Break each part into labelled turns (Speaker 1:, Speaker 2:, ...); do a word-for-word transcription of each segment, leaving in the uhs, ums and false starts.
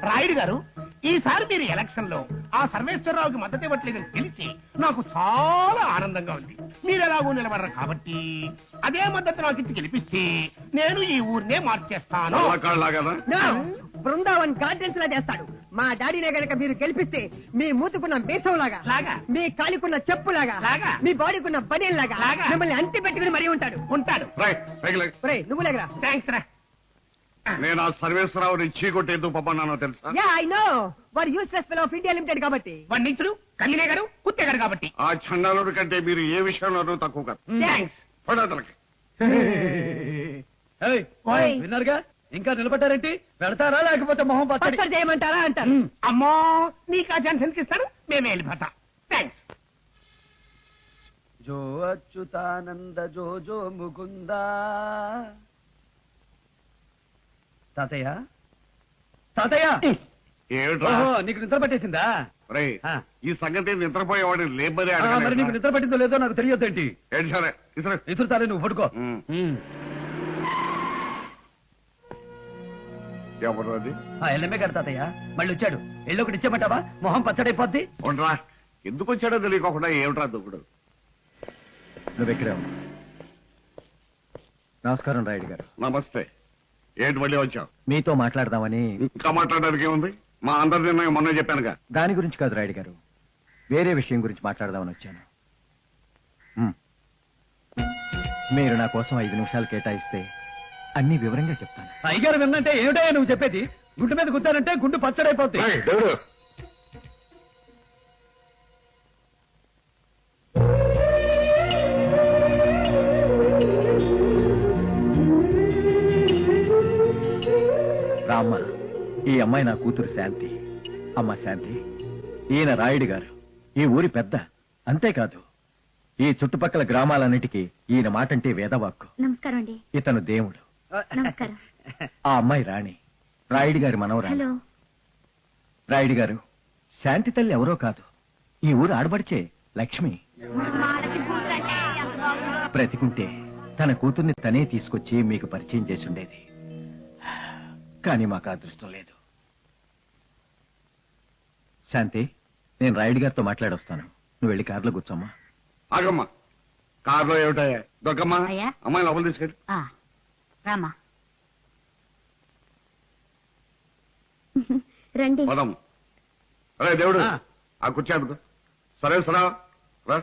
Speaker 1: రాయుడు గారు, ఈసారి మీరు ఎలక్షన్ లో ఆ సర్వేశ్వరరావుకి మద్దతు ఇవ్వట్లేదని తెలిసి నాకు చాలా ఆనందంగా ఉంది. మీరు ఎలాగో నిలబడరు కాబట్టి అదే మద్దతు నాకు ఇచ్చి గెలిపిస్తే నేను ఈ ఊరినే మార్చేస్తాను.
Speaker 2: బృందావన్ గార్డెన్స్ లా చేస్తాడు. మా డాడీనే గనక మీరు గెలిపిస్తే మీ మూతుకున్న బేసం లాగా
Speaker 1: లాగా
Speaker 2: మీ కాలికున్న చెప్పు లాగా
Speaker 1: లాగా
Speaker 2: మీ బాడీకున్న బనీన్ లాగా
Speaker 1: లాగా
Speaker 2: మిమ్మల్ని అంటి పెట్టుకుని మరీ ఉంటాడు
Speaker 1: ఉంటాడు
Speaker 2: నువ్వు లేకరా.
Speaker 1: థ్యాంక్స్ రా.
Speaker 3: నేను ఆ సర్వేశ్వరరావుని చీకొట్టి ఎందుకు పంపన్నానో తెలుసా?
Speaker 2: Yeah I know. వాడు useless fellow of India limited కాబట్టి.
Speaker 1: వాడు నీచుడు, కన్నినేగాడు, కుత్తేగాడు కాబట్టి.
Speaker 3: ఆ చండాలుడి కంటే మీరు ఏ విషయంలోనూ తక్కువ కాదు.
Speaker 1: థ్యాంక్స్.
Speaker 4: విన్నారుగా, ఇంకా నిలబడ్డారేంటి? పెడతారా లేకపోతే మొహం పచ్చడి
Speaker 2: చేయమంటారా అంటారు.
Speaker 1: అమ్మో, నీకు ఆ ఛాన్స్ ఎందుకు ఇస్తాను? మేమే వెళ్ళిపోతాం. థ్యాంక్స్.
Speaker 4: జో అచ్యుతానంద జో జో ముకుందా. తాతయ్య తాతయ్య, నీకు నిద్ర పట్టేసిందా?
Speaker 3: ఈ సంగతి నిద్రపోయేవాడిని లేబరే.
Speaker 4: మరి నీకు నిద్ర పట్టిందో లేదో నాకు తెలియొద్దేంటి? ఇసురు తాలే, నువ్వు పడుకో.
Speaker 3: ఎవరు అది?
Speaker 4: ఎల్లమ్మే గారు తాతయ్య, మళ్ళీ వచ్చాడు. ఎల్లు ఒకటి ఇచ్చేమంటావా? మొహం పచ్చడైపోద్ది.
Speaker 3: ఉండరా, ఎందుకు వచ్చాడో తెలియకోకుండా ఏమిట్రా దుక్కుడు?
Speaker 4: నువ్వెక్కడే. నమస్కారం రాయుడు గారు.
Speaker 3: నమస్తే. ఏంటి మళ్ళీ వచ్చావు?
Speaker 4: మీతో మాట్లాడదామని.
Speaker 3: ఇంకా మాట్లాడడానికి ఏముంది? మా అందరి నిర్ణయం మొన్న చెప్పానుగా.
Speaker 4: దాని గురించి కాదు రాయుడు గారు, వేరే విషయం గురించి మాట్లాడదామని వచ్చాను. మీరు నా కోసం ఐదు నిమిషాలు కేటాయిస్తే అన్ని వివరంగా చెప్తాను. అయ్యగారు విన్నంటే ఏమిటో నువ్వు చెప్పేది? గుండు మీద గుద్దానంటే గుండు పచ్చడైపోతుంది. రామ్మ, ఈ అమ్మాయి నా కూతురు శాంతి. అమ్మ శాంతి, ఈయన రాయుడు గారు, ఈ ఊరి పెద్ద. అంతేకాదు ఈ చుట్టుపక్కల గ్రామాలన్నిటికీ ఈయన మాటంటే వేదవాక్కు.
Speaker 5: నమస్కారం అండి.
Speaker 4: ఇతను దేవుడు.
Speaker 5: నమస్కారం.
Speaker 4: ఆ అమ్మాయి రాణి, రాయుడు గారి మనవరాలు. రాయుడు గారు, శాంతి తల్లి ఎవరో కాదు, ఈ ఊరు ఆడబడిచే లక్ష్మి. బ్రతికుంటే తన కూతుర్ని తనే తీసుకొచ్చి మీకు పరిచయం చేసి ఉండేది. కానీ మాకు అదృష్టం లేదు. శాంతి, నేను రాయుడు గారితో మాట్లాడొస్తాను. నువ్వు వెళ్ళి కారులో కూర్చోమ్మా.
Speaker 3: ఆగమ్మా, కారులో ఏమిటాయా? దొక్కమ్మా, అమ్మాయి లోపల తీసుకెళ్ళి.
Speaker 5: రామా రండి.
Speaker 3: పదం. అరే దేవుడు, ఆ కుర్చీ అందుకో. సరే సరా రా,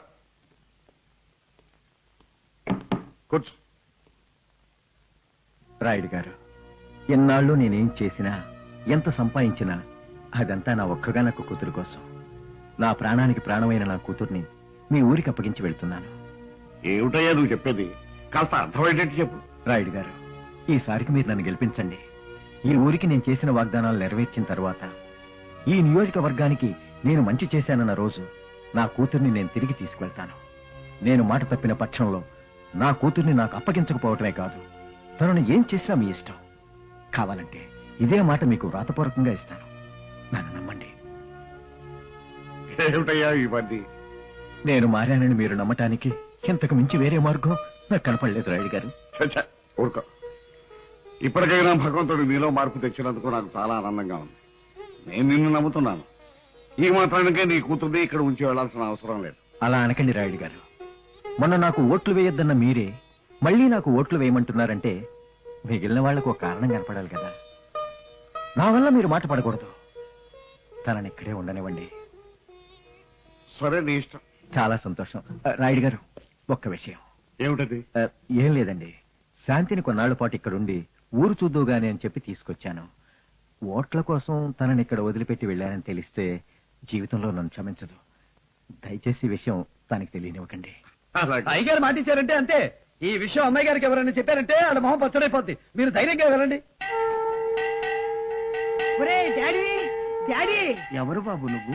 Speaker 3: కూర్చో.
Speaker 4: రాయుడు గారు, ఎన్నాళ్ళు నేనేం చేసినా, ఎంత సంపాదించినా అదంతా నా ఒక్కగానొక్క కూతురు కోసం. నా ప్రాణానికి ప్రాణమైన నా కూతుర్ని మీ ఊరికి అప్పగించి వెళ్తున్నాను.
Speaker 3: ఏమిటయ్యా నువ్వు చెప్పేది? కాస్త అర్థమయ్యేటట్టు చెప్పు.
Speaker 4: రాయుడు గారు, ఈసారికి మీరు నన్ను గెలిపించండి. ఈ ఊరికి నేను చేసిన వాగ్దానాలు నెరవేర్చిన తర్వాత, ఈ నియోజకవర్గానికి నేను మంచి చేశానన్న రోజు నా కూతుర్ని నేను తిరిగి తీసుకువెళ్తాను. నేను మాట తప్పిన పక్షంలో నా కూతుర్ని నాకు అప్పగించకపోవటమే కాదు, తనను ఏం చేసినా మీ ఇష్టం. కావాలంటే ఇదే మాట మీకు వ్రాతపూర్వకంగా ఇస్తాను. నన్ను నమ్మండి.
Speaker 3: ఏమిటయ్యా ఇవన్నీ?
Speaker 4: నేను మారానని మీరు నమ్మటానికి ఇంతకు మించి వేరే మార్గం నాకు కనపడలేదు రాయుడు గారు.
Speaker 3: ఊరుకో. ఇప్పటికైనా భగవంతుడు నీలో మార్పు తెచ్చినందుకు నాకు చాలా ఆనందంగా ఉంది. నేను నిన్ను నమ్ముతున్నాను. ఈ మాత్రానికే నీ కూతుర్ని ఇక్కడ ఉంచి వెళ్లాల్సిన అవసరం లేదు.
Speaker 4: అలా అనకండి రాయుడు గారు. మొన్న నాకు ఓట్లు వేయొద్దన్న మీరే మళ్ళీ నాకు ఓట్లు వేయమంటున్నారంటే మిగిలిన వాళ్లకు ఒక కారణం కనపడాలి కదా. నా వల్ల మీరు మాట పడకూడదు. తనని ఇక్కడే ఉండనివ్వండి.
Speaker 3: సరే, నీ ఇష్టం.
Speaker 4: చాలా సంతోషం. రాయుడు గారు, ఒక్క విషయం.
Speaker 3: ఏమిటది?
Speaker 4: ఏం లేదండి, శాంతిని కొన్నాళ్ల పాటు ఇక్కడుండి ఊరు చూద్దుగానే అని చెప్పి తీసుకొచ్చాను. ఓట్ల కోసం తనని ఇక్కడ వదిలిపెట్టి వెళ్ళానని తెలిస్తే జీవితంలో నన్ను క్షమించదు. దయచేసి ఈ విషయం తనకి తెలియనివ్వకండి. అయ్యగారు మాటిచ్చారంటే అంతే. ఈ విషయం అమ్మాయి గారికి ఎవరైనా చెప్పారంటే వాళ్ళ మొహం పచ్చడైపోద్ది. మీరు ధైర్యంగా వెళ్ళండి.
Speaker 1: ఎవరు బాబు నువ్వు?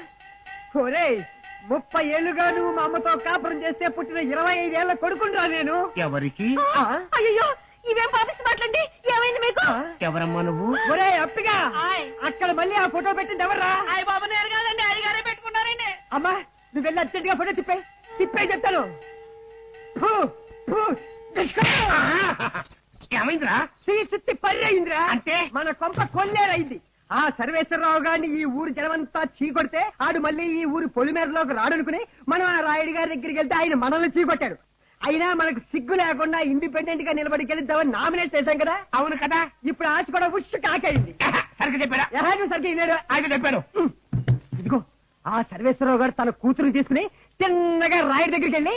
Speaker 2: ముప్పై ఏళ్లుగా నువ్వు మా అమ్మతో కాపురం చేస్తే పుట్టిన ఇరవై ఐదేళ్ల కొడుకుంటా నేను.
Speaker 1: ఎవరికి?
Speaker 5: అయ్యో, ఇవేం పాపిస్తు మాట్లాడి. ఏమైంది మీకు?
Speaker 1: ఎవరమ్మా నువ్వు?
Speaker 2: ఒరే అప్పిగా, అక్కడ మళ్ళీ ఆ ఫోటో పెట్టింది ఎవర్రా?
Speaker 5: అయ్య బాబు, నేను కాదండి, అయ్యగారే పెట్టుకున్నారండి.
Speaker 2: అమ్మా, నువ్వు వెళ్ళి అర్జెంట్ గా ఫోటో తిప్పే తిప్పే చెప్తాను.
Speaker 1: ఏమైందిరా?
Speaker 2: సుత్తి పర్రైందిరా.
Speaker 1: అంటే
Speaker 2: మన కొంప కొల్లేరైంది. ఆ సర్వేశ్వరరావు గారిని ఈ ఊరు జనమంతా చీకొడితే ఆడు మళ్ళీ ఈ ఊరు పొలిమేరలోకి రాడనుకుని మనం ఆ రాయుడు గారి దగ్గరికి వెళ్తే ఆయన మనల్ని చీకొట్టాడు. అయినా మనకు సిగ్గు లేకుండా ఇండిపెండెంట్ గా నిలబడి గెలుద్దామని నామినేట్ చేశాం కదా.
Speaker 1: అవును కదా.
Speaker 2: ఇప్పుడు ఆశ కూడా ఉష్ కాకైంది.
Speaker 1: సరిగ్గా చెప్పాడా?
Speaker 2: ఎవరు సరిగ్గా విన్నాడు?
Speaker 1: ఆయన చెప్పాడు.
Speaker 2: ఇదిగో ఆ సర్వేశ్వరరావు గారు తన కూతురు తీసుకుని చిన్నగా రాయుడి దగ్గరికి వెళ్ళి,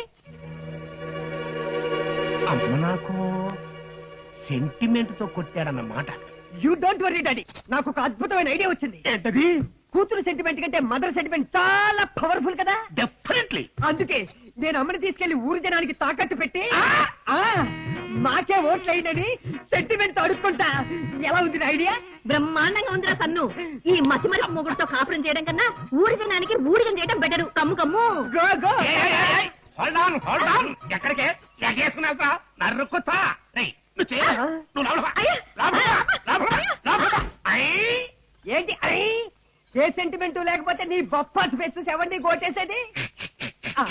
Speaker 1: అమ్మ నాకు సెంటిమెంట్ తో కొట్టాడన్నమాట.
Speaker 2: యూ డోంట్ వరీ డాడీ, నాకు ఒక అద్భుతమైన ఐడియా వచ్చింది.
Speaker 1: ఏంటది?
Speaker 2: కూతురు సెంటిమెంట్ కంటే మదర్ సెంటిమెంట్ చాలా పవర్ఫుల్ కదా.
Speaker 1: డెఫినెట్లీ.
Speaker 2: అందుకే నేను అమ్మని తీసుకెళ్లి ఊరు జనానికి తాకట్టు పెట్టి ఆ, మాకే ఓట్లు అయిందని సెంటిమెంట్ అడుక్కుంటా. ఎలా ఉంది నా ఐడియా?
Speaker 5: బ్రహ్మాండంగా ఉందిరా సన్ను. ఈ మసిమరి మొగుడుతో కాపురం చేయడం కన్నా ఊరి జనానికి ఊడిగం చేయడం better. Come come.
Speaker 2: Go go.
Speaker 1: Hold on hold on. ఎక్కడికే ఎగేసుకున్నాక నరుకుతా. రేయ్, నువ్వు చేయ. నువ్వు లోపలికి రా. లోపలికి రా. లోపలికి రా. లోపలికి రా. ఐ.
Speaker 2: ఏంటి అరే, ఏ సెంటిమెంట్ లేకపోతే నీ బొప్పాస్ ఫెస్ట్ ఎవరిని కోటేసేది? ఆ,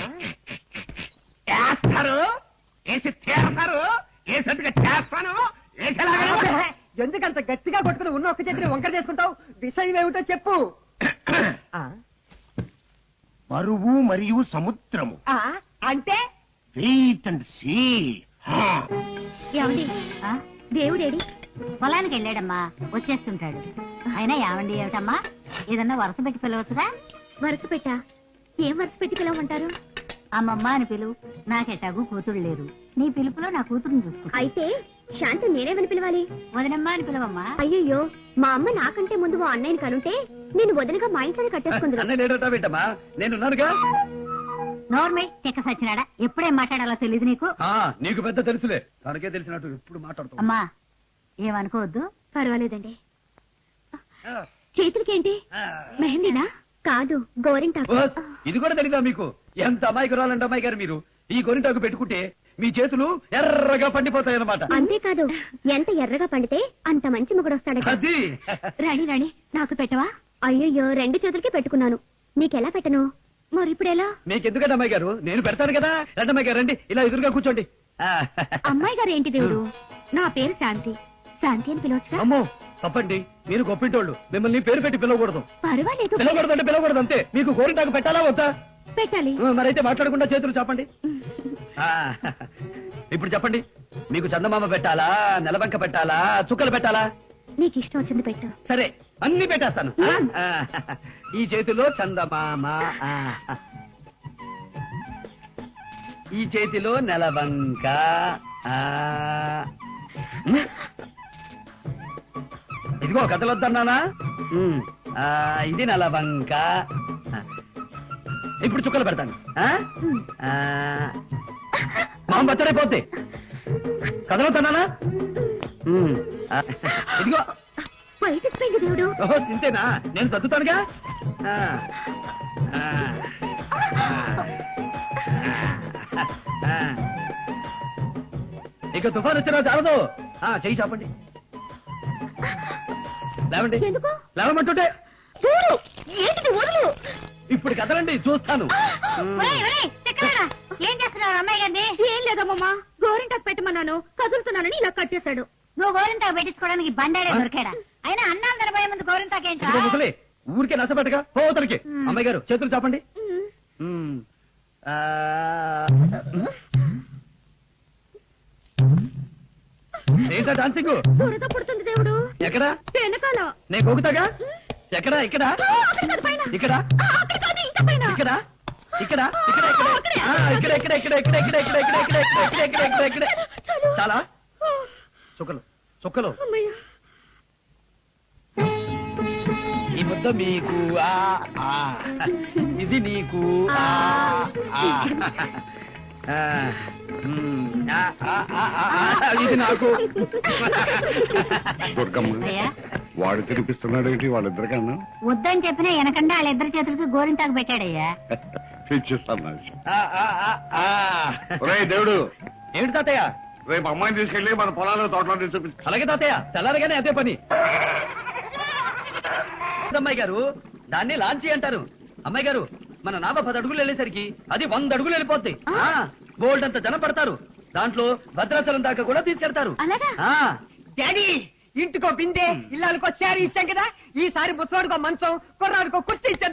Speaker 1: వేస్తారు, వేసి తీరతారు, వేసేట్టుగా చేస్తాను. వేసేలాగా
Speaker 2: ఎందుకంత గట్టిగా కొట్టుకుని ఉన్న ఒక్క చేతిని వంకర చేసుకుంటావు? విషయం ఏమిటో చెప్పు. ఆ,
Speaker 1: బరువు మరియు సముద్రము.
Speaker 2: ఆ, అంటే
Speaker 1: వెయిట్ అండ్ సీ.
Speaker 5: ఏమండి దేవుడేడి పొలానికి వెళ్ళాడమ్మా, వచ్చేస్తుంటాడు. అయినా ఏమండి ఏమిటమ్మా, ఏదన్నా వరుస పెట్టి పిలవచ్చుగా? వరుస పెట్టా? ఏం వరుస పెట్టి పిలవమంటారు? అమ్మమ్మ అని పిలువు. నాకెట్టాగు కూతురు లేరు. నీ పిలుపులో నా కూతురుని చూసుకుంటా. అయితే శాంతి నేనేమని పిలవాలి? వదనమ్మా అని పిలవమ్మా. అయ్యయ్యో, మా అమ్మ నాకంటే ముందు ఓ అన్నయ్యని కనుంటే నేను వదనగా మా ఇంట్లోనే కట్టేసుకుంది.
Speaker 4: నేనున్నానుగా.
Speaker 5: నోర్మై చెక్క సచ్చినాడా, ఎప్పుడేం మాట్లాడాలో తెలియదు నీకు.
Speaker 4: నీకు పెద్ద తెలుసులే, తనకే తెలిసినట్టు ఎప్పుడు మాట్లాడుతావు.
Speaker 5: అమ్మా ఏమనుకోవద్దు. పర్వాలేదండి. చేతులకేంటి మెహందీనా? కాదు, గోరింటాకు.
Speaker 4: ఇది కూడా తెలీదా మీకు? ఎంత అమాయకురాలంటే అమ్మాయి గారు మీరు. ఈ గోరింటాకు పెట్టుకుంటే మీ చేతులు ఎర్రగా పండిపోతాయన్నమాట.
Speaker 5: అంతేకాదు, ఎంత ఎర్రగా పండితే అంత మంచి మొగుడు వస్తాడు.
Speaker 4: అది
Speaker 5: రాణి రాణి నాకు పెట్టవా? అయ్యయ్యో, రెండు చేతులకి పెట్టుకున్నాను, నీకెలా పెట్టను? మరి ఇప్పుడెలా?
Speaker 4: మీకెందుకంటే అమ్మాయి గారు, నేను పెడతాను కదా. రండి అమ్మాయి గారు, రండి, ఇలా ఎదురుగా కూర్చోండి.
Speaker 5: అమ్మాయి గారు ఏంటి దేవుడు? నా పేరు శాంతి. శాంతి అని పిలవచ్చుగా?
Speaker 4: అమ్మో తప్పండి, మీరు గొప్పింటోళ్ళు, మిమ్మల్ని పేరు పెట్టి పిలవకూడదు.
Speaker 5: పర్వాలేదు,
Speaker 4: పిలవకూడదు అంటే పిలవకూడదు అంతే. మీకు గోరింటాకు పెట్టాలా వద్దా?
Speaker 5: పెట్టాలి.
Speaker 4: మరైతే మాట్లాడకుండా చేతులు చెప్పండి. ఇప్పుడు చెప్పండి, మీకు చందమామ పెట్టాలా, నెలబంక పెట్టాలా, చుక్కలు పెట్టాలా?
Speaker 5: నీకు ఇష్టం వచ్చింది పెట్టు.
Speaker 4: సరే, అన్ని పెట్టేస్తాను. ఆ, ఈ చేతిలో చందమామ, ఆ, ఈ చేతిలో నెలబంక, ఆ, ఇదిగో కథలొద్దన్నానా? ఉమ్, ఆ, ఇది నెలబంక. ఇప్పుడు చుక్కలు పెడతాను. ఆ? ఆ, మామ బచ్చడైపోద్ది. కథలొద్దన్నానా? ఉమ్, ఆ, ఇదిగో.
Speaker 5: బయటకు పోయింది దేవుడు.
Speaker 4: ఓహో ఇంతేనా? నేను చదువుతానుగా. ఆ, ఆ, ఆ, ఇక తుఫాన్ వచ్చినా చాలదు. ఆ, చెయ్యి చాపండి. లేవండి.
Speaker 5: ఎందుకు?
Speaker 4: లేవమంటుంటే.
Speaker 5: చూడు, ఏంటిది? వదులు.
Speaker 4: ఇప్పుడు కదలండి, చూస్తాను.
Speaker 5: ఏం చేస్తున్నావు అమ్మాయి గారిని? ఏం లేదమ్మా, గోరింటాకు పెట్టమన్నాను, కదులుతున్నానని ఇలా కట్టేశాడు. నువ్వు గోరింటాకు పెట్టించుకోవడానికి బండాడే దొరికాడా? అయినా అన్నాలు తినబోయే ముందు గోరింటాకు ఏంటా?
Speaker 4: ఇదిగో ముసలి, ఊరికే నచ్చబెట్టగా పోతలకి. అమ్మాయి గారు చేతులు చాపండి. ఉమ్, ఆ, ఏంటా డాన్సింగ్?
Speaker 5: దురద పుడుతుంది దేవుడు.
Speaker 4: ఎక్కడ?
Speaker 5: వెనకాల.
Speaker 4: నేను గోగుతాగా. ఎక్కడ? ఇక్కడ ఇక్కడ ఇక్కడ ఇక్కడ ఇక్కడ ఇక్కడ ఇక్కడ ఇక్కడ ఇక్కడ ఇక్కడ ఇక్కడ ఇక్కడ ఇక్కడ ఇక్కడ ఇక్కడ ఇక్కడ ఇక్కడ చాలా చుక్కలు చుక్కలు. ఈ ముద్ద మీకు, ఆ, ఆ, ఇది నీకు, ఆ, ఆ, ఆ, ఉమ్, ఆ, ఆ, ఆ, ఆ, ఇది నాకు.
Speaker 3: దుర్గమ్మ, వాడు తినిపిస్తున్నాడు ఏంటి వాళ్ళిద్దరికన్నా?
Speaker 5: వద్దని చెప్పినా వెనకండా వాళ్ళిద్దరి చేతులకి గోరింటాకు పెట్టాడయ్యా.
Speaker 3: పిచ్చిస్తాను.
Speaker 4: ఆ, ఆ, ఆ, ఆ.
Speaker 3: ఒరేయ్ దేవుడు,
Speaker 4: ఏమిటి తాతయ్య?
Speaker 3: రేపు అమ్మాయిని తీసుకెళ్లి మన పొలాలు తోటలో చూపించు.
Speaker 4: అలాగే తాతయ్య, తెల్లారగానే అదే పని. అమ్మాయి గారు, దాన్ని లాంచి అంటారు. అమ్మాయి గారు, మన నావ పది అడుగులు వెళ్ళేసరికి అది వంద అడుగులు వెళ్ళిపోద్ది. బోల్డ్ అంత జనం పడతారు. దాంట్లో భద్రాచలం దాకా కూడా తీసుకెళ్తారు.
Speaker 5: అలాగా?
Speaker 4: ఆ,
Speaker 2: డాడీ, ఇంటికో బిందె ఇల్లాలకో శారీ ఇచ్చాం కదా ఈసారి ముసలాడుకో మంచం కుర్రాడుకో కుర్చీ ఇచ్చాం